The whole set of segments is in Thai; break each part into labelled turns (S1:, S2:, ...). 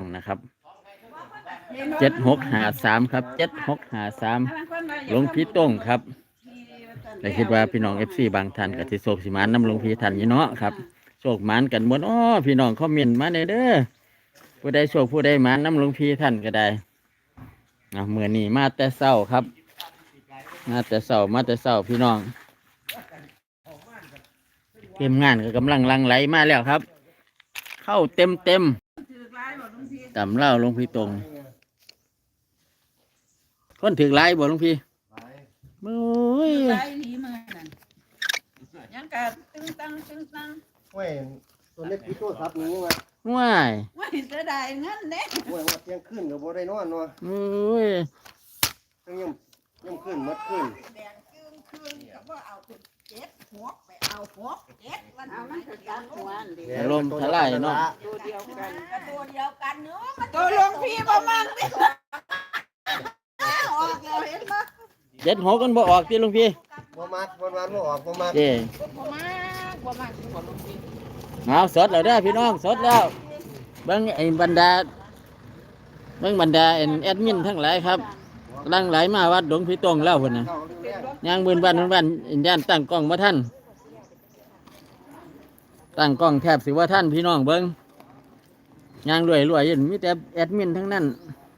S1: นะครับ7653ครับ7653หลวงพี่ต้งครับแต่คิดว่าพี่น้อง FC บางท่านก็สิโศกสิมานนำหลวงพี่ท่านอยู่เนาะครับโศกหมานกันหมดอ้อพี่น้องคอมเมนต์มาเด้อผู้ใดโศกผู้ใดหมานนำหลวงพี่ท่านก็ได้มื้อนี้มาแต่เช้าครับมาแต่เช้าพี่น้องเตรียมงานก็กำลังลังไหลมาแล้วครับเข้าเต็มตำเล่าหลวงพี่ตรงคนถือไล่บ่หลวงพี่โอ้ย
S2: ไล่หนีมือนั่นยังกะตึงตัง
S3: เว้ยตัวเล็กพี่โตซับนี้ว่า
S1: ว้าย
S2: ว่าเสียดายเงินเด้
S3: เว้ยว่าเที่ยงคืนก็บ่ได้นอนเนาะ
S1: โอ้ย
S3: ทั้งย่ำคืนหมดคืน
S2: แดงคืนก็บ่เอาเป็น7 6ไปเอา6 7วันเอามันก็จักหัวอันเดียว
S1: อารมณ์ทลายเนาะ
S2: ตัวเดียวกันก็ตัวเดียวกันเนาะตัวหลวงพี่บ่มั่งดิออกแล้วเห็นบ่
S1: 76กันบ่ออกติหลวงพี่
S3: บ่มักบ่ออกบ่มัก
S1: เด้
S2: บ่มั่งบ่หลวงพี่
S1: เอาสดแล้วเด้อพี่น้องสดแล้วเบิ่งไอ้บรรดาแอดมินทั้งหลายครับกำลังไหลมาวัดหลวงพี่ตรงแล้วพุ่นน่ะ
S3: เข้าเรื่องแรก
S1: ย่างบืนบ้านย่านตั้งกล้องบ่ทันตั้งกล้องแทบสิว่าท่านพี่น้องเบิ่งย่างรวยอยู่มีแต่แอดมินทั้งนั้น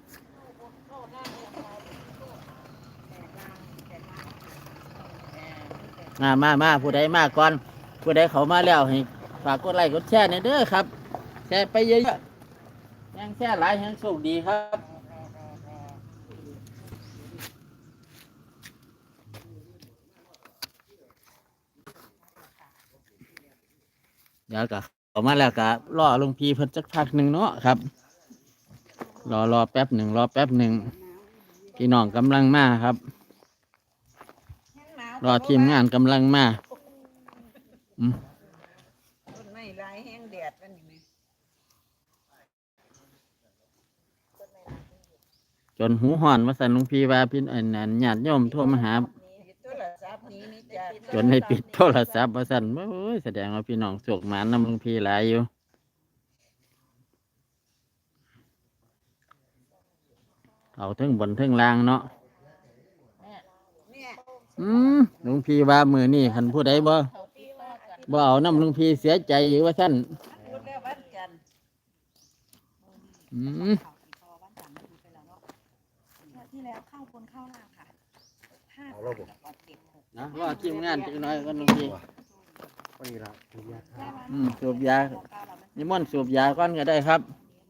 S1: มาผู้ใดมาก่อนผู้ใดเขามาแล้วให้ฝากกดไลค์กดแชร์หน่อยเด้อครับแชร์ไปเยอะๆยังแชร์หลายยังโชคดีครับเดี๋ยวก็ออกมาแล้วก็รอหลวงพี่เพิ่นจักพักหนึ่งเนาะครับรอแป๊บหนึ่งพี่น้องกำลังมาครับรอทีมงานกำลังมา
S2: ต้นไม้ลายแห้งแดดวันนี้
S1: จนหูห่อนว่าสันหลวงพี่ว่าพี่อันญาติโยมโทรมาหาจนให้ปิดโทรศัพท์ว่าสันโอ้ยแสดงว่าพี่น้องโศกหมานนำหลวงพี่หลายอยู่เอาถึงบนถึงล่างเนาะหลวงพี่ว่ามือนี่คันผู้ใดบ่เอาน้ำหลวงพี่เสียใจอยู่ว่าท่าน
S2: ที่แล้วเข้าบนเข้าล่างค่ะ
S3: เอาแล้วบ่
S1: นะว่าทีมงานจังน้อยกันหลวงพี่
S3: พอดีละ
S1: สูบยานิมนต์สูบยาก่อนก็ได้ครับ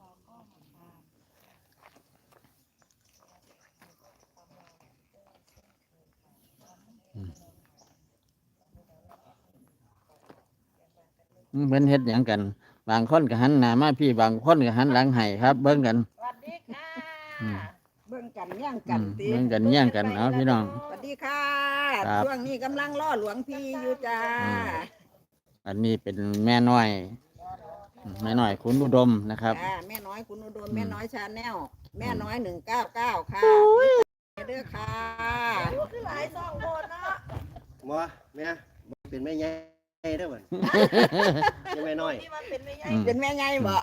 S1: เพิ่นเฮ็ดหยังกันบางคนก็หันหน้ามาพี่บางคนก็หันหลังให้ครับเบิ่งกัน
S2: สวัสดีค่ะเบิ่งกันย่างกันติ
S1: เบิ่งกันแย่งกันเอาพี่น้อง
S2: สวัสดีค่ะ
S1: ครับ
S2: ช่วงนี้กำลังล่อหลวงพี่อยู่จ้า
S1: อันนี้เป็นแม่น้อยคุณอุดมนะครับ
S2: แม่น้อยคุณอุดมแม่น้อยชาแนลแม่น้อย199ค่ะเด้อค่ะคือหลาย2คนเนาะ
S3: บ่แม่เป็นแม่ใหญ่เด้อบัดยังแม่น้อย
S2: เป็นแม่ไงบ่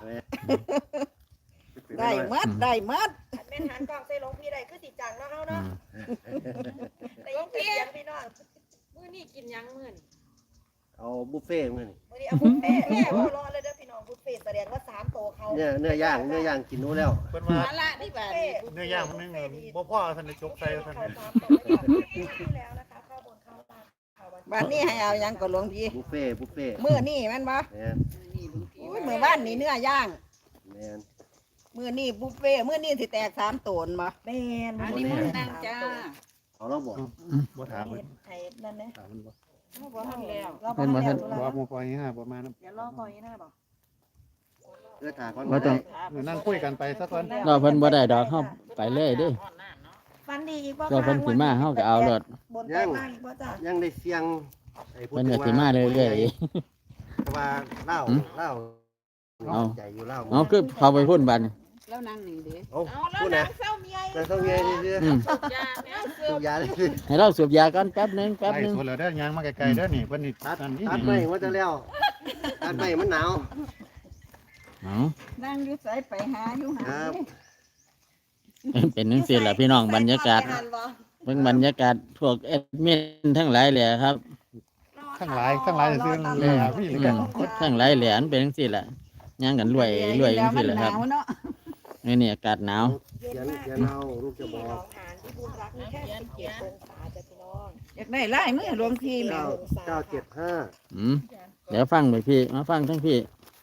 S2: ได้หมด
S4: แม่นหันกล้องใส่หลวงพี่ได้คือสิจังเนาะเฮาเนาะหลวงพี่พี่น้องมื้อนี้กินหยังมื้อนี้
S3: เอาบุฟเฟ่ต์มื้อนี้
S4: มื้อนี้เอาบุฟเฟ่ต์แม่บ่รอเลยเด้อพี่น้องบุฟเฟ่ต์แสดงว่า3โตะเขา
S3: เนื้อย่างกินนู้แล้ว
S5: เพิ่นว่า
S2: นั่นละนี่บ่
S5: เนื้อย่างมันนึงบ่พอท่านได้จกใส่ท่าน
S4: เขา
S5: นี่
S4: 3โตะแล้วนะคะข้าวบนข้าวล่างข้าววัน
S2: บัดนี้ให้เอาหยังก็หลวงพี่
S3: บุฟเฟ่ต์
S2: มื้อนี้แม่นบ่
S3: แม่น
S2: อุ้ยมื้อบ้านนี่เนื้อย่าง
S3: แม่น
S2: มื้อนี้บุฟเฟ่ต์มื้อนี้สิแตก3โตนบ่
S4: แม่น
S2: อันนี้มื้อนั่งจ้า
S3: เอาแล้วบ่
S5: บ่ถามเพิ่น
S4: ไอ้นั่นนะ
S5: ถามมันบ่
S4: บ่ทันแล้ว
S1: เพิ่นบ่ทัน
S5: บ่บ่ปล่อยให้บ่มานํ
S4: เดี๋ยวรอคอยนะบ่
S3: ถาก่อน
S1: ว่าต้อง
S5: นั่งคุยกันไปซะก่อน
S1: เราเพิ่นบ่ได้ดอกเฮาไปเลยเด้
S4: ฟันดีอีกบ่
S1: ตัวเพิ่นสิมาเฮาก็เอารถ
S4: บนไปมากอีกบ่จ้ะ
S3: ยังได้เสียงไอ้
S1: เพิ่นก็สิมาเรื่อย
S3: ว่าเล่า
S1: เอา
S3: ใจอยู่เล่า
S1: ๆเอาคือเข้าไปพุ่นบัดนี้
S2: แล้วนั่งนี่ดิ
S3: เอาพูดนะ
S4: เศร้าเมีย
S3: แต่ต้องเงี้ยนี่คือ
S1: อืม
S3: สูบยาเลย
S1: ให้เราสูบยาก่อนแป๊บหนึง
S5: ไล่สวนแล้วเด้อย่างมาไกลๆเด้อนี่เพิ่นนี่
S3: ตัด
S5: อันนี้
S3: ไม่ว่าจะแล้วตัดไม่มันหนาว
S1: เอา
S2: นั่งอยู่ไสไปหาอยู่หา
S3: ครับ
S1: เป็นจังซี่ล่ะพี่น้องบรรยากาศเบิ่งบรรยากาศพวกแอดมินทั้งหลายแหละครับ
S5: ทั้งหลายจะซื้อเลยอ่ะพี่หรือกัน
S1: ทั้งหลายแหละอันเป็นจังซี่ล่ะย่างกันรวยจังซี่ล่ะครับ
S2: หนาวเนาะ
S1: นี่อากาศหนาว
S3: เขียนเอาลูกจะบอก
S4: ฐานที่ภูมิรักมีแค่17องศาจ้ะพี่น้อง
S2: อยากได้ลายมือหลวงพี่แม่
S3: 975
S1: อืมเดี๋ยวฟังไปพี่มาฟังทั้งพี่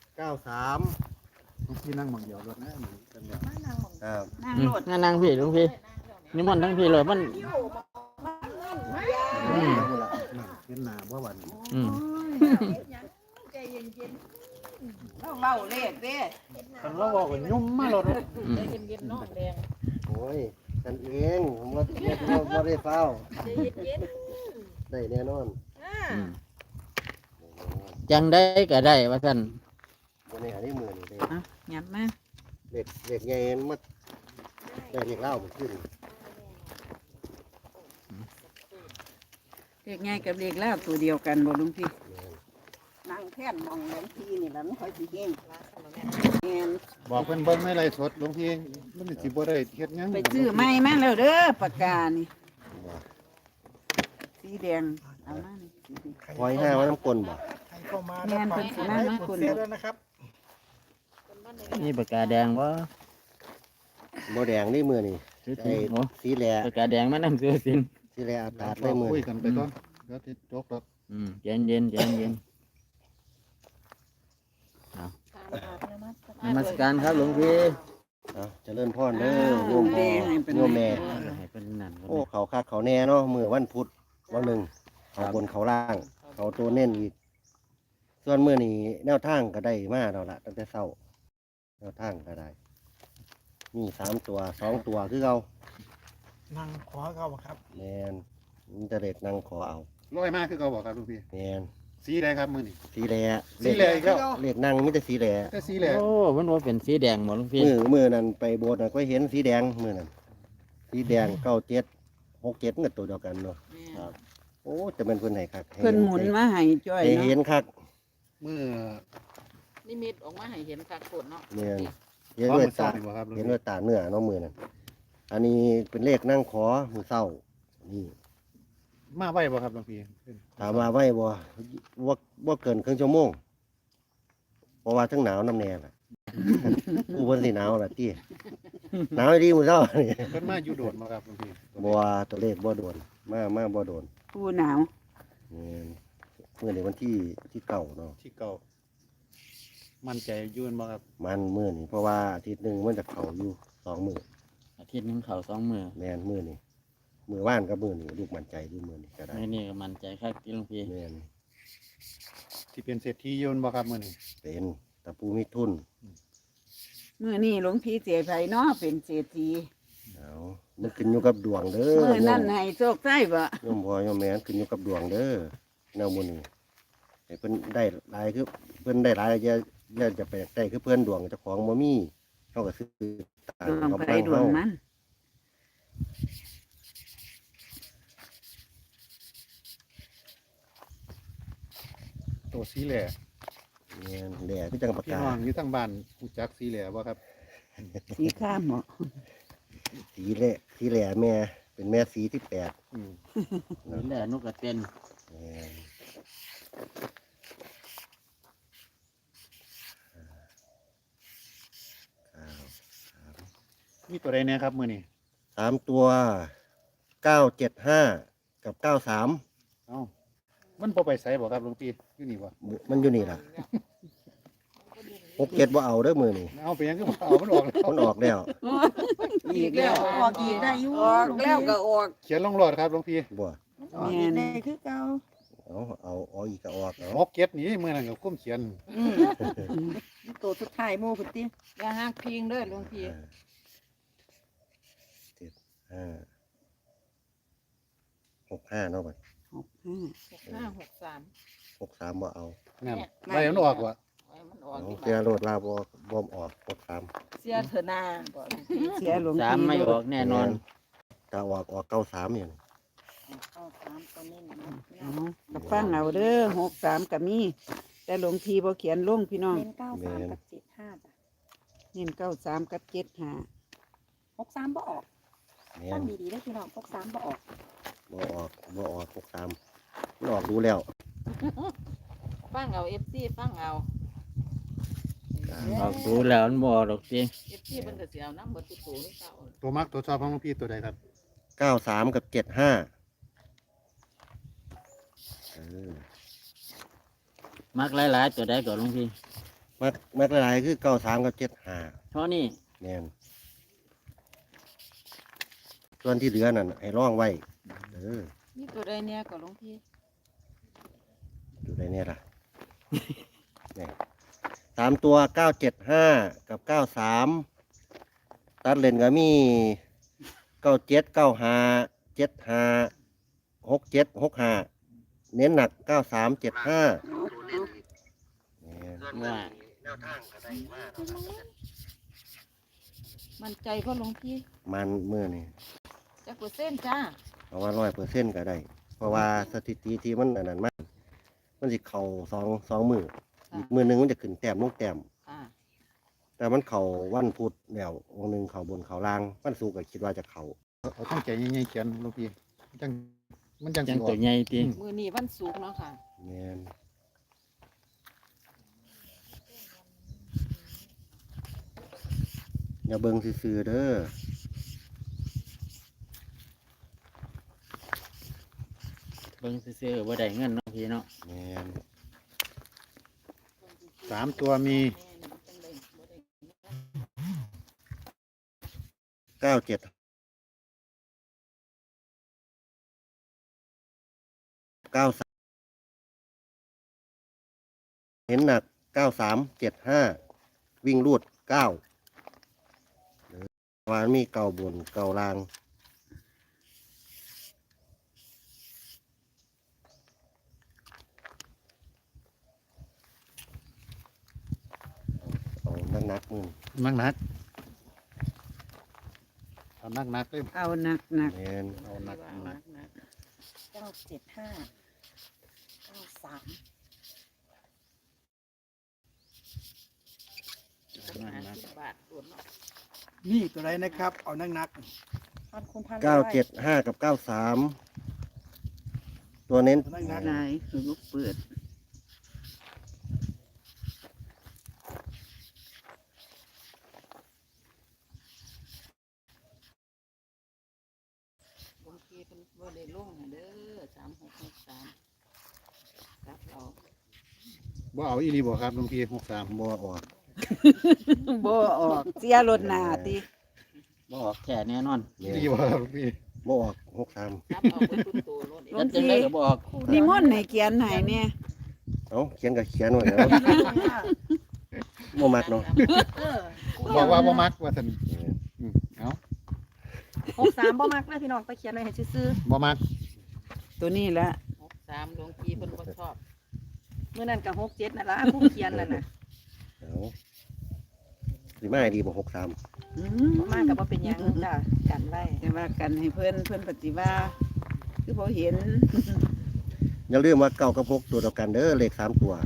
S3: 93
S5: พี่นั่งหมองเดียวรถนะกันเดียว
S3: ครับ
S2: นั่ง
S1: อืม
S2: โลด
S1: นั่งพี่หลวงพี่นิมนต์ทั้งพี่เลยมัน อืม
S5: เห็นหน้าว่าวัน
S1: อืม
S2: เล่าเลขเด้
S5: คันเราบอกว่ายุ่มมารถ
S1: อืม
S3: โอ้ยกันเองผมว่าบ่ได้เฝ้าได้แน่นอน
S1: อืมจังได้ก็ได้ว่าซั่น
S3: บ่ได้หาได้มื้อนี่เด้
S2: อ่ะหยับมา
S3: เด็กใหญ่มันได้เด็กเล่ามันขึ้น
S2: เลขง่ายกับเลขแล้วตัวเดียวกันบ่หลวงพี่นั่งแท่นมองหลวงพี่นี่ล่ะมันค่อยสิเฮงแม่น
S5: บอกเพิ่นเบิ่งในไลฟ์สดหลวงพี่มันสิบ่ได้เฮ็ดหยัง
S2: ไปซื้อไม้มาแล้วเด้อปากกานี่สีแดงเอามานี่สีแดง
S3: หอยห้าว่าน้ำกลนบ่
S2: แม่นเพิ่นสิมาคุณ
S1: นี่ปากกาแดงบ่
S3: บ่แดงนี่มื้อนี่
S1: ซื้อ
S3: ไอ้
S1: โอ้
S3: สีแหล่
S1: ปากกาแดงมานํซื้อสิน
S3: สีแหล่อากาศเลยมื้อ
S5: คุย
S3: นี่
S5: กันไปก่อนเดี๋ยวสิจบแล้ว
S1: อืมใจเย็นใจเย็นนมัสการครับหลวงพี่
S3: เอาเจริญพรเด้อโยมพ่อโยมแม่
S1: ให้เป็นนั่นก็
S3: โอ้
S1: ได้
S3: เขาคักเขาแน่เนาะมื้อวันพุธวันหนึ่งเขาบนเขาล่าง เขาตัวเน้นอีก ส่วนมื้อนี้แนวทางก็ได้มาแล้วล่ะตั้งแต่เช้าแนวทางก็ได้มี3ตัว2ตัวคือเก่า
S6: นั่งขอเขาบ่ครับ
S3: แม่นมันจะเด็กนั่งขอเอา
S5: ร้อยมากคือเขาบอกครับหลวงพี่
S3: แม่น
S5: สีใดครับมื้อนี้
S3: สีแหล่
S5: สีแหล่อีกแล้ว
S3: เลขนั่งมีแต่สีแหล่
S5: แต่สีแหละ
S1: โอ้มันว่าเป็นสีแดงหมดหลวงพี่
S3: มือนั้นไปโบสถ์น่ะก็เห็นสีแดงมือนั้นสีแดง97 67ก็ตัวเดียวกันเนาะครับโอ้จะเป็นเพิ่นให้คักให้
S2: เพิ่นหมุนมาให้จ้อย
S3: ให้เห็
S2: เนาะ
S3: นคัก
S5: มื้อ
S7: นิมิตออกมาให้เห็นคักโคตรเนาะ
S3: เนี่ยเห็น
S5: พร้อม
S3: ด้วย
S5: มื้อเช้า
S3: ตา
S5: นี่บ่ครับหลวง
S3: เห็น
S5: พี่
S3: ด้วยตาเนื้อเนาะมือนั้นอันนี้เป็นเลขนั่งขอมือเศร้านี่
S5: มาไว้บ่ครับหลวงพี่
S3: ถามว่าไว้บ่เกินครึ่งชั่วโมงเพราะว่าทั้งหนาวน้ำแน่ล่ะ กูเพิ่นสิหนาวล่ะติหนาวดีมื้อเช้านี่
S5: เพิ่นมาอยู่โดดบ่ครับหลวงพี่
S3: บ่ว่าตัวเลขบ่โดนมาบ่โดน
S2: ผู้หนาว
S3: มื้อนี้วันที่เก้าเนาะ
S5: ที่เก่ามั่นใจอยืนบ่ครับ
S3: มันมื้อนี้เพราะว่าอาทิตย์หนึงมันจะเข้าอยู่2 มื้อ
S1: อาทิตย์หนึงเขา2มื้อ
S3: แม่นมื้อนี้มื้อว่านกับมื้อนี้ลูกมั่นใจอยู่มื้อนี้ก็ได้
S1: มื้อนี้ก็มั่นใจคักที่หลวงพี่
S3: แม่น
S5: ที่เป็นเศรษฐีอยืนบ่ครับมื้อนี้
S3: เป็นตะปูมีทุน
S2: มื้อนี้หลวงพี่เสียไผเนาะเป็นเศรษฐี
S3: เอามันขึ้นอยู่กับดวงเด้อ
S2: มื้อนั้นให้โชคได้บ่
S3: โยมพ่อโยมแม่ขึ้นอยู่กับดวงเด้อแนวมื้อนี้ให้เพิ่นได้หลายคือเพิ่นได้หลายอย่าจะไปได้คือเพิ่นดวงเจ้าของบ่มีเฮาก็ซื้อตาม
S2: ดวง
S3: กำ
S2: ไผ
S3: ลัง
S2: ดวง
S3: เฮา
S2: มัน
S5: ตัวสีแหล่
S3: แม่นแหล่คือจังปาก
S5: พี่
S3: กา
S5: น้องอยู่ทางบ้านรู้จักสีแหล่บ่ครับ
S2: สีข้ามบ่
S3: สีแหล่แม่เป็นแม่สีที่8
S5: อืม
S1: นี่แหละนกกระเต้น
S3: แม่น
S5: มีตัวใดแน่ครับมื้อนี้
S3: 3ตัว975กับ93
S5: เอ้ามันบ่ไปไสบ่ครับหลวงพี่อยู่นี่บ่
S3: มันอยู่นี่ล่ะ67บ่เอาเด้อมื้อนี้
S5: เอาไปยังคือบ่เอามันออกแล้ว
S3: มันออกแล้ว
S2: อีกแล้วออกอีกได้อยู่ออกแล้วก็ออก
S5: เขียนลงรอดครับหลวงพี่
S3: บ่
S2: ออกอีกได้คือเก่า
S3: เอาอีกก็ออกเอา
S5: หกเก็ดนี่มื้อนั้นก็คุ้มเขียน
S2: ตัวสุดท้ายหมู่พุ่นติ
S7: อย่าหักพิงเด้อหลวงพี่
S3: 65เนาะบัด
S7: 6563
S3: 63บ่เอา
S5: นั่นไว้มันออกว่ะ
S7: ไว้มันออก
S3: เอา
S7: ดี
S3: เสียโลดลาบ่ออก63
S7: เสียเถอะนาบ่หลวงพี่
S2: เสียหลวง
S1: สาม
S2: พี่
S1: ไม่ออกแน่นอน
S3: ถ้าออก93อย่างนี้
S7: เอา3ตัวนี้นะ
S2: เอาก็ฟังเอาเด้อ63ก็มี
S8: แต่หลวงพี่บ่เขียนลงพี่น้อง
S4: เน้น93กับ75จ้ะ
S8: เน้น93กับ75
S4: 63บ่ออก
S3: แม่
S4: ฟั
S3: น
S4: งดีๆเด้อพี่น้อง63บ่ออก
S3: บ่ออก63มันออกดูแล้ว
S7: ฟังเอา FC ฟังเอา
S1: ออกดูแล้วมันบ่ดอกสิ
S7: FC เพิ่นก็สิเอาน้ำเบิดทุกตัวนี่เก่า
S5: ตัวมักตัวชอบของหลวงพี่ตัวใดครับ
S3: 93กับ75เออ
S1: มักหลายๆตัวใดก่อนหลวงพี่
S3: มักหลายๆคือ93กับ75
S1: เท่านี้
S3: แม่นส่วนที่เหลือนั่นให้ร่องไว้เออ
S7: นี่ตัวใดเนี่ยก็หลวงพี่
S3: อยู่ในเนี่ยล่ะ เนี่ย3ตัว975กับ93ตัดเลนก็มี97 95 75 67 65เน้นหนัก93 75เนี่ย
S1: ว่า
S3: แนวทางก็ได้มาก
S7: มั่นใจบ่หลวงพี่
S3: มันเมื่อนี่
S7: จักเปอร์เซ็นต์จ้า
S3: เพราะว่า100%ก็ได้ เพราะว่าสถิติที่มันอันนั้นมันสิเข่าสองมืออีกมือหนึงมันจะขึ้นแต้มลงแต้ม
S7: ค่ะ
S3: แต่มันเข่าวันพุธแล้ววันหนึ่งเข่าบนเข่าล่างวันศุกร์ก็คิดว่าจะเข่า
S5: เอาตั้งใจใหญ่ๆเขียนหลวงพี่มันจัง
S1: จั
S5: สิ
S1: ง
S5: ออ
S1: ตั
S5: ก
S1: วใหญ่ติ
S7: มื้อนี้วันศุกร์เนาะค่ะ
S3: แม่นอย่าเบิ่งซื่อๆเด้อ
S1: เบิ่งซื่อๆบ่ได้เงินเนาะพี่เนาะ
S3: แม่น
S5: 3ตัวมี
S3: 97 93เห็นหนัก93 75วิ่งรูด9วานมีเก่าบนเก่าล่างเอานักๆมือ
S5: นักเอานักเลย
S8: เอาหนัก
S3: แม่น
S5: เอานัก
S4: 975 93
S7: 50 บาทตัวเนาะ
S6: ๆนี่ตัวใดนะครับ เอานัก
S4: พันคูณพัน
S3: 975 กับ 93 ตัวเน้น
S6: ๆนัก
S8: ๆหลายคือลูกเปิด
S7: หลวงพี่เพิ่นบ่ได้ลงน่ะเด้อ3663ครับเรา
S5: บ่เอาอีหลีบ่ครับหลวงพี่63
S3: บ่ออก
S8: บ่ออกเสียรถหน้าติ
S1: บ่ออกแค่แน่นอน
S5: อีหลีบ่ครับหลวงพี่
S3: บ่ออก63
S7: ครับเอาไปทุกตัวรถ
S1: แล้วจังไดก็บ่ออก
S8: นิมนต์ให้เขียนให้เนี่ย
S3: เอาเขียนก็เขียนไว้แล้วบ่มักเนาะ
S5: บอกว่าบ่มักว่าซั่นเอา
S4: 63บ่มักเลยพี่น้องไปเขียนไว้ให้ซื่อ
S5: บ่มัก
S8: ตัวนี้แหละ
S7: 63หลวงพี่เพิ่นบ่ชอบ
S4: ๆมื้อนั้นก็67นั่นล่ะผู้เขียนนั่นน่ะ
S3: เอาสิมาให้ดีบ่63
S8: อื
S4: บ่มาก็บ่เป็นหยังจ้ะกันไว้
S8: แต่ว่ากันให้เพิ่นปฏิว่าคือบ่เห็น
S3: อย่าลืมว่า9กับ6ตัวเดียวกันเด้อเลข3ตัว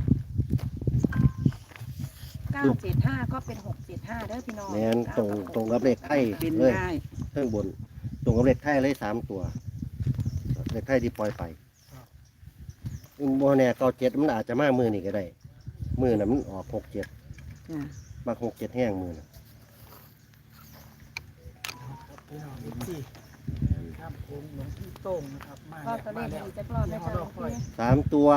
S4: 975ก็เป็น675เด้อพี่น้อง
S3: แม่นตรงกับเลขไทย
S8: เป็น
S3: เลย
S8: ได้
S3: เครื่องบน ตรงกับเลขไทยเลย3ตัว เลขไทยที่ปล่อยไปบ่แน่97มันอาจจะมามือนี่ก็ได้มือน่ะมันออก67
S8: จ้ะ
S3: มัก67แห้งมือน่ะ
S6: พี่น้องที่ครับผมหลวงพี่โต้งนะครับมา
S4: ก็
S6: แล้ว
S4: ตัวเล
S6: มา
S4: ข
S6: แล้ว
S4: ดีจักรอบนะจ๊ะหลวงพี่
S3: 3ตัว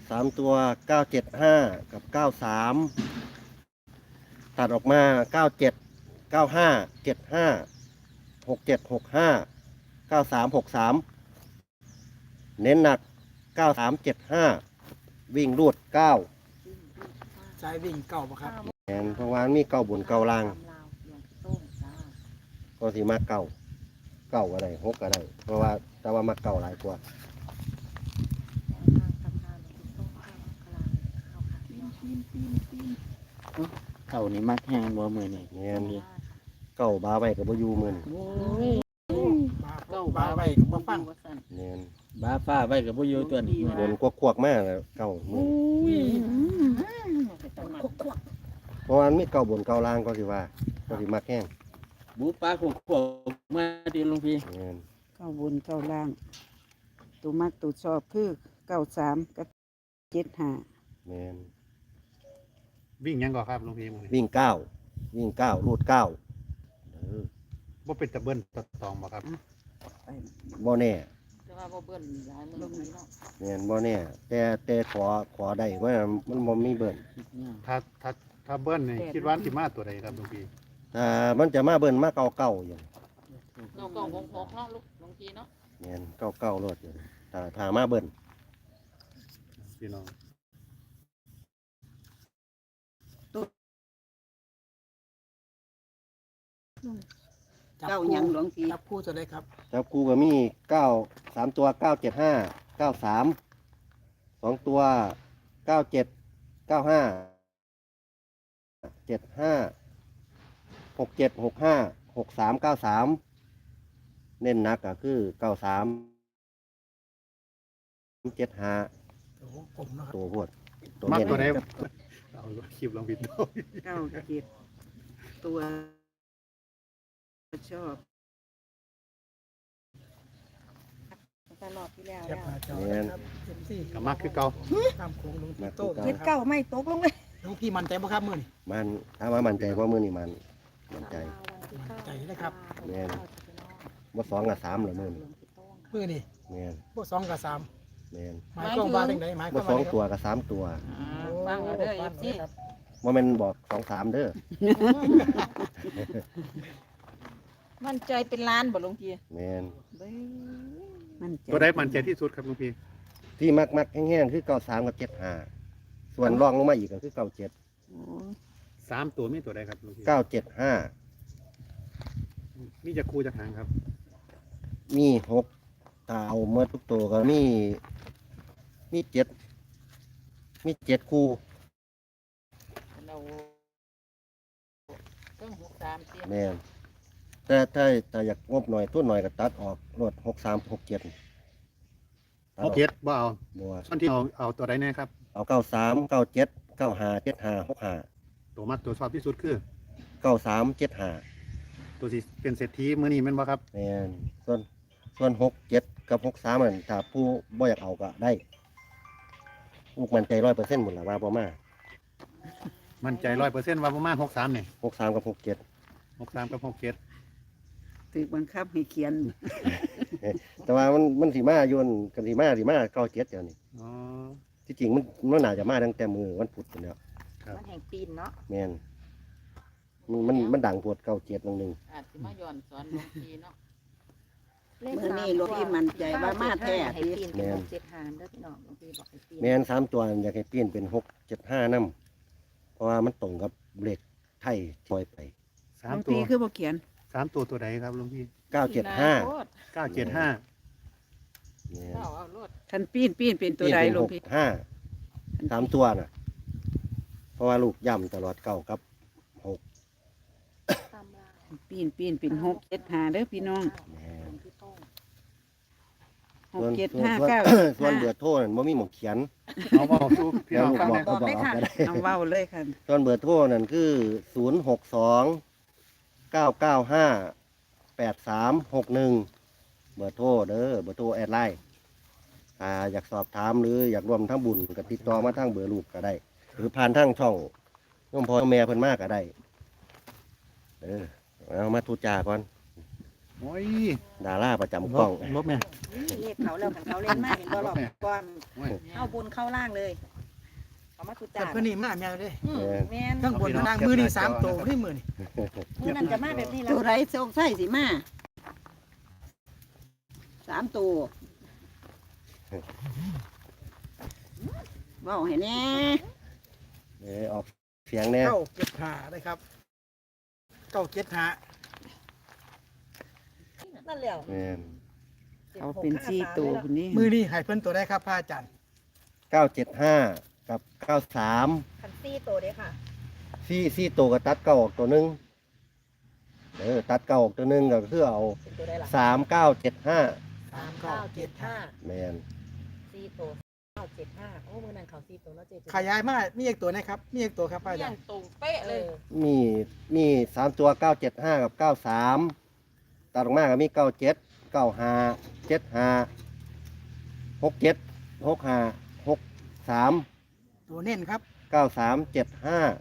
S3: 975กับ93ตัดออกมา97 95 75 67 65 93 63เน้นหนัก93 75วิ่งรูด9
S6: สายวิ่งเก่าปะครับ
S3: แม่นเพราะว่ามีเก่าบนเก่าล่าง
S4: ตำราวหลวงพี่โต้งจ้า
S3: ก็สิมาเก่าก็ได้6ก็ได้เพราะว่าแต่ว่ามาเก่าหลายกว่า
S4: ทางตำราวหลวงพี่โต้งเข้ากลางเข้าค่ะปีน
S1: เท่านี้มักแห้งบ่มื้อนี้
S3: แม่นเก่าบาไว้ก็บ่อยู่มื้อนี้
S1: โอ้ย
S6: มาพ
S7: ก็
S6: บ้าไว้บ่ฟัง
S7: ว่าซั่น
S3: แม่น
S1: บ้าฟ้าไว้กับผู้อยู่ตัวนี้
S3: บนกวกๆมากแล้วเก่ามือเพราะว่ามันมีเก่าบนเก่าล่างก็สิว่าก็สิมาแข้ง
S1: บูปลาขวบมาที่หลวงพี่
S3: แม่น
S8: เก้าบนเก้าล่าง ตัวมักตัวชอบคือ93กับ75
S3: แม่น
S5: วิ่งหยังก่อนครับหลวงพี่มื้อนี้
S3: วิ่งเก้าวิ่งเก้ารูดเก้าเออ
S5: บ่เป็นตะเบิ้นตะตองบ่ครับ
S3: บ่แน่
S7: แต่ว่าบ่เบิ่นหลายมื้อนี้เนาะ
S3: แม่นบ่แน่แต่ขอได้ว่ามันบ่มีเบิ่น
S5: ถ้าเบิ้ลนี่คิดว่าสิมาตัวใดครับหลวงพี่
S3: ถ้ามันจะมาเบิ่นมาเก่าเก่าอยู่
S7: เราก็6เนาะลูกหลวงพี่เนาะ
S3: แม่นเก่าเก่ารถอยู่ถ้ามาเบิ่น
S5: พี่น้อง
S8: เก้าหยังหลวงพี่
S6: จับคู่จะได้ครับ
S3: แล้วกูก็มี3 ตัว975 93 2 ตัว97 95 75 67 65 63 93เน้นหนักก็คือ93 75
S6: โอ้โหผมเนาะครับ
S3: ตัวพวด
S5: มา
S3: เน้น
S5: ตัวใดเอาคลิปหลวงพี่โต
S8: 97ตัวชอบ
S4: ตลอดที่แล้ว
S6: แคป
S4: แล้ว
S6: หน้าจอนะครับเอ็มซี
S5: ก็มาคือเก่า
S6: ตามโค้งหลวงพี่โต้ง
S4: เฮ็ดเก่าไม่ตกลงเลย
S6: หลวงพี่มั่นใจบ่ครับมื้อนี้
S3: มันถ้าว่ามันใจว่ามือนี่มันใจ
S6: มั่นใจนะครับ
S3: แม่นว่า2 กับ 3หรือมือนี่
S6: มื้อนี้
S3: แม่น
S6: บ่2กับ3
S3: แม่น
S6: หมายความว่าจังไดหมายความ
S3: ว่า
S6: ว่า
S3: 2 ตัวกับ 3 ตัว
S7: ฟังเอาเด้อ
S6: ฟัง
S7: FC
S6: ครับ
S3: ว่ามันบอก2 3เด้อ
S7: มั่นใจเป็นล้านบ่หลวงพี่
S3: แม่น
S8: มันใจ
S5: ตัวใดมั่นใจที่สุดครับหลวงพี่
S3: ที่มักแห้งๆคือ93กับ75ส่วนรองลงมาอีกก็คือ97
S8: โอ้
S5: 3ตัวมีตัวใดครับหลวงพี่
S3: 975
S5: มีจะคู่จะหางครับ
S3: มี6ถ้าเอาเมื่อทุกตัวก็มี7คู่
S7: เราต้อง63เตี้ย
S3: แม่นแต่ถ้าอยากงบหน่อยตัวหน่อยก็ตัดออกรถ63 67
S5: เอาเจ็ดบ่เอา
S3: บัว
S5: ส่วนที่เอาตัวใดแน่ครับ
S3: เอา93 97 95 75 65
S5: ตัวมักตัวชอบที่สุดคือ
S3: 93 75
S5: ตัวสิเป็นเศรษฐีมื้อนี้แม่นบ่ครับ
S3: แม่นส่วน67กับ63นั่นถ้าผู้บ่อยากเอาก็ได้ลูกมันใจ100%หมดล่ะว่าบ่มา
S5: มั่นใจ 100%ว่าประมาณ63นี่
S3: 63กับ67
S5: 63กับ67
S8: ถูกบังคับให้เขียน
S3: แต่ว่ามันสิมาโยนกันสิมา97เดี๋ยวนี้
S5: อ๋อ
S3: ที่จริงมันน่าจะมาตั้งแต่มือวันพุธพุ่นแล้ว
S4: มันแห่งปีนเนาะ
S3: แม่นมันดังปวด97นึง
S7: อาจสิมาย้อนสอนหลวงพี่เนาะ
S8: มื้อนี้หลวงพี่มั่นใจว่ามาแท้
S4: ให้ปีนเป็น675เด้อพี่น้องหลวงพี่บอกให้ปีน
S3: แม่น3ตัวอยากให้เปลี่ยนเป็น675นำเพราะว่ามันตรงกับเลขไทยปล่อยไป
S8: หลวง
S5: 3ตัว
S8: พี่คือบ่เขียน
S5: 3ตัวตัวใดครับหลวงพี่
S3: 975
S7: โลด
S5: 975
S3: แม่น
S7: เอาโลด
S8: คันปีนเป็นตัวใดหลวงพี่
S3: 65 3ตัวน่ะ เพราะว่าลูกย่ำตลอด9กับ
S4: ตามลาว
S8: ปีนเป็น675เด้อพี่น้อง
S3: 6แม่น
S4: พี่โต้ง
S3: ส่วนเบอ
S8: 675
S3: ร์โทรนั่นบ่มีหมองเขียน
S5: เอาเว้าสู่พี่
S3: แล้ว
S5: น้อง
S3: ลูก
S5: ฟัง
S3: บอก
S5: แน่
S3: ก็บอกเอาก็ได้
S8: เอาเว้าเลยค่ะ
S3: ส่วนเบอร์โทรนั่นคือ062 995 8361เบอร์โทรเด้อเบอร์โทรแอดไลน์อยากสอบถามหรืออยากร่วมทั้งบุญก็ติดต่อมาทางเบอร์ลูกก็ได้ หรือผ่านทางช่องน้องพ่อแม่เพิ่นมากก็ได้เอามาทูจาก่อน
S5: โอ้ย
S3: ดาราประจำกล้อง
S5: ลบแม่
S4: เลขเขาแล้วกันเขาเล่นมากเห็นบ่หรอกก่อน
S5: โอ้ย
S4: เข้าบุญเข้าล่างเลยเขามาทุ
S6: แต่
S4: จ่า
S6: เพิ่นนี่มาแม่นเด้
S4: แม่น
S6: ทั้งบนทั้งล่างมื้อนี้3ตัวนี่มื้อนี้
S4: มื้อนั้นจะมาแบบนี้แล้
S8: ตัว วไรโชคใส่สิมา3ตัวเว้าให้แน่
S3: ออกเสียงแน่
S6: 975นะครับ975
S4: นั่นแหละ
S3: แม่น
S8: เอาเป็น4ตัวพุ่นนี้
S6: มื้อนี้ให้เพิ่นตัวได้ครับพระอาจารย์
S3: 975 กับ 93
S4: คันซี่โตเด้อค่ะ
S3: 4ตัวก็ตัดเก้าออกตัวหนึงตัดเก้าออกตัวหนึงก็คือเอา
S2: เป็นตัวได้ละ
S3: 3975
S2: 3975
S3: แมน
S2: 4ตัว975โอ้มื้อนั้นเขา4ตัวเนาะเจ๊
S6: ขยายมามีอีกตัวนะครับ มีอีกตัวครับป้า
S7: เที่ย
S6: จ๋าง
S7: ตรงเป๊ะเลย
S3: มี3ตัว975กับ93ตัดออกมาก็มี97 95 75 67 65 63
S6: ตัวเน้นครับ
S3: 9375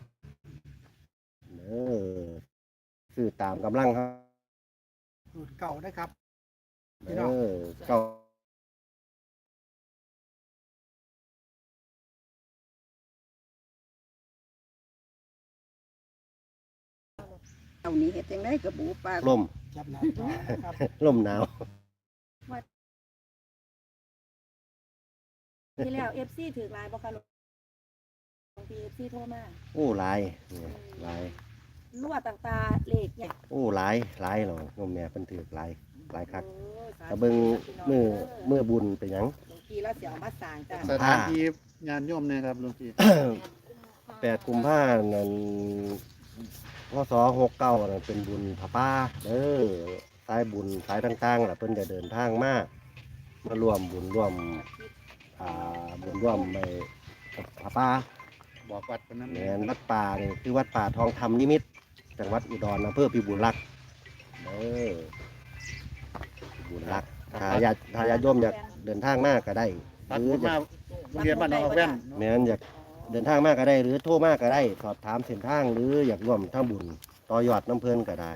S3: ซื้อตามกำลังครับ
S6: สูตรเก่านะครับ
S3: เก้า
S2: เอานี้เฮ็ดจังได๋กับบูปลา
S3: ลม
S6: จับหน้าจอนะครับ
S3: ลมหนาว
S4: ที่แล้ว FC ถือลายบ่คะหลวงพี่ FC โทรมา
S3: โอ้หลายหลาย
S4: รั่วต่างๆเลขเนี่ย
S3: โอ้หลายหรอกนมแม่เพิ่นถือหลายคัก
S2: โอ้สาธุ
S3: ถ้าเบิ่งมือบุญเป็นหยัง
S2: หลวงพี่แล้วสิเอามาสร้างจ้ะ
S5: สถานที่งานโยมเนี่ยครับหลวงพี่
S3: 8 กุมภาพันธ์นั้นพศ69นั่นเป็นบุญพระป่าสายบุญสายต่างๆล่ะเพิ่นจะเดินทางมารวมบุญร่วมบุญร่วมในพระป่า
S5: บอกวัดคนนั้น
S3: แม่นวัดป่านี่คือวัดป่าทองธรรมนิมิตรจังหวัดอุดรอำเภอพิบูลรักษ์พิบูลรักษ์ถ้าญาติโยมอยากเดินทางมากก็ได้
S5: ตัด
S3: หรือ
S5: ผม
S3: อยาม
S5: าก โรงเรียนบ้านหนองแว่น
S3: แม่นอยากเดินทางมากก็ได้ หรือโทรมากก็ได้ สอบถามเส้นทางหรืออยากร่วมทำบุญต่อยอดน้ำเพลินก็ได้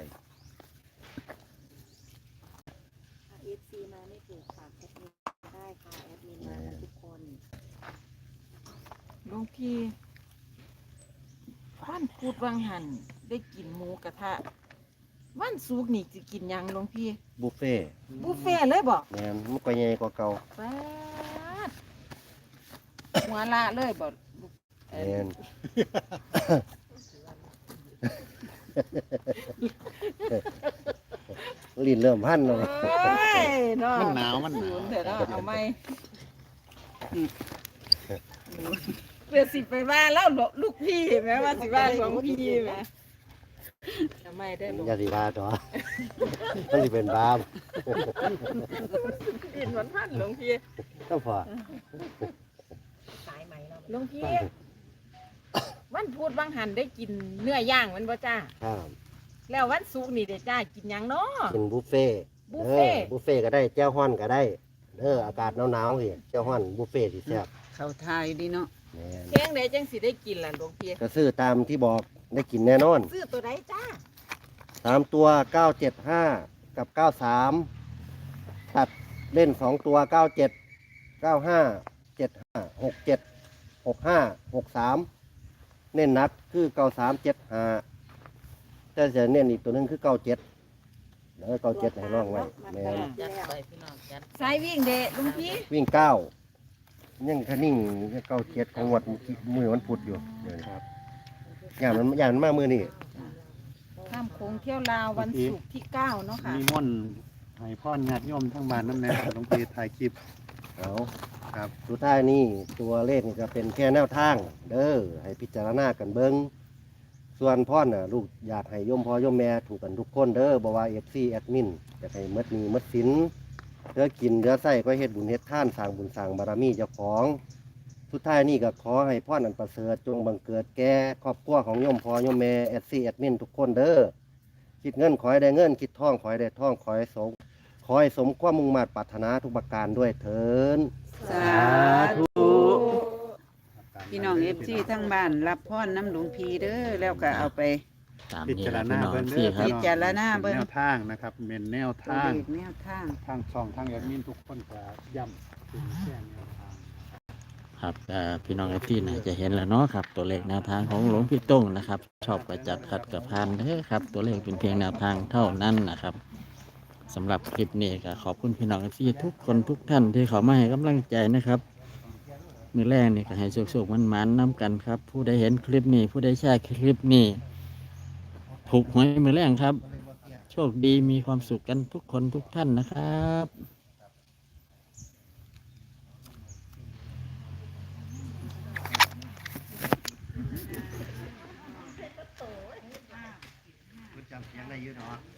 S4: FC มาไม่ถูกฝากแอดมินได้ค่ะแอดมินมากันทุกคน
S7: หลวงพี่วันพูดวังหันได้กินหมูกระทะวันศุกร์นี่จะกินหยังหลวงพี่
S3: บุฟเฟ่ต์
S7: บุฟเฟ่ต์เลยบอก
S3: แม่นมันก็ใหญ่กว่าเก่า
S7: ป๊าดหัวละเลยบอก
S3: แม่น ลิ้นเริ่มพันแล้ว
S7: เอ้ยเนาะ
S5: มันหนาวมันหนาว
S7: ศูนย์เถอะเนาะเอาไหมเพื่อสิไปว่าแล้วลูกพี่แม้ว่าสิว่าหลวงพี่แม้ทำไมได้หลวง
S3: อย่าสิว่าต่อ มันสิเป็นบาป
S7: กินวันพันหลวงพี่
S3: ก็พอ
S2: สายใหม่แล้ว
S7: หลวงพี่ วันพูดบางหันได้กินเนื้อย่างมันบ่จ้า
S3: ครับ
S7: แล้ววันศุกร์นี่เด้จ้ากินหยังเนาะ
S3: กินบุฟเฟ่ต์
S7: บุฟเฟ่ต์
S3: บุฟเฟ่ต์ก็ได้แจ่วฮ้อนก็ได้อากาศหนาวๆสิแจ่วฮ้อนบุฟเฟ่ต์สิแซ่บ
S8: เขาทายดีเนาะ
S3: แม่น
S7: เพียงใดจังสิได้กินล่ะหลวงพี่
S3: ก็ซื้อตามที่บอกได้กินแน่นอน
S2: ซื้อตัวใดจ้า
S3: 3 ตัว 975 กับ 93 ตัดเล่น 2 ตัว 97 95 75 67 65 63 เน้นหนักคือ 93 75แต่จะเน้นอีกตัวหนึงคือ 97แล้ว97ให้ร่องไว้แม่น
S7: จัดไปพี่น้องจัดสายวิ่งเด้หลวงพี่
S3: วิ่ง 9 ยังคะนิ่ง97ของงวดมือวันพุธอยู่เดี๋ยวนี้ครับอย่างมันมามือนี่
S7: ข้ามโค้งเที่ยวลาววันศุกร์ที่9เนาะค่ะ
S5: มีม่อนให้พ่อญาติโยมทั้งบ้านน้ำแน่หลวงพี่ถ่ายคลิป
S3: เอา
S5: ครับ
S3: สุดท้ายนี่ตัวเลขนี่ก็เป็นแค่แนวทาง ให้พิจารณากันเบิงส่วนพ่อน่ะลูกอยากให้โยมพ่อโยมแม่ถูกกันทุกคนบ่ว่า FC แอดมินอยากให้หมดหนี้หมดสินเหลือกินเหลือใส่ก็เฮ็ดบุญเฮ็ดทานสร้างบุญสร้างบารมีเจ้าของ สุดท้ายนี่ก็ขอให้พ่อนันประเสริฐจงบังเกิดแก่ครอบครัวของโยมพ่อโยมแม่ FC แอดมินทุกคนคิดเงินขอให้ได้เงินคิดทองขอให้ได้ทองขอให้สมความมุ่งมั่นปรารถนาทุกประการด้วยเถิด
S8: สาธุพี่น้องเอฟซีทั้งบ้านรับพรน้ำหลวงพีเด้อแล้วก็เอาไป
S1: ตาม
S5: พิ
S1: นี้
S5: จาร
S1: นะ
S5: ณา
S1: พี่น้อง
S5: เบิ่ง
S1: พี่
S5: เด้อ
S1: ครับ
S8: พิจารณาเบิ่ง
S5: แนวทางนะครับเป็นแนว
S8: ตัว
S5: ทาง
S8: เลขแนวทาง
S5: ทางช่องทางแอดมินทุกคนก็ย้ำเป็นแค่แนวทาง
S1: ครับพี่น้องที่ไหนจะเห็นแล้วเนาะครับ ตัวเลขแนวทางของหลวงพี่ต้งนะครับ ชอบประจัดขัดกับพานเด้อครับ ตัวเลขเป็นเพียงแนวทางเท่านั้นนะครับสำหรับคลิปนี้ก็ขอบคุณพี่น้องที่ทุกคนทุกท่านที่เขามาให้กำลังใจนะครับ มือแรกนี่ก็ให้สุกๆมันๆน้ำกันครับ ผู้ใดเห็นคลิปนี้ ผู้ใดแชร์คลิปนี้ถูกหวยมือแรกครับ โชคดีมีความสุขกันทุกคนทุกท่านนะครับ
S3: จำเสียงได้เยอะเนาะ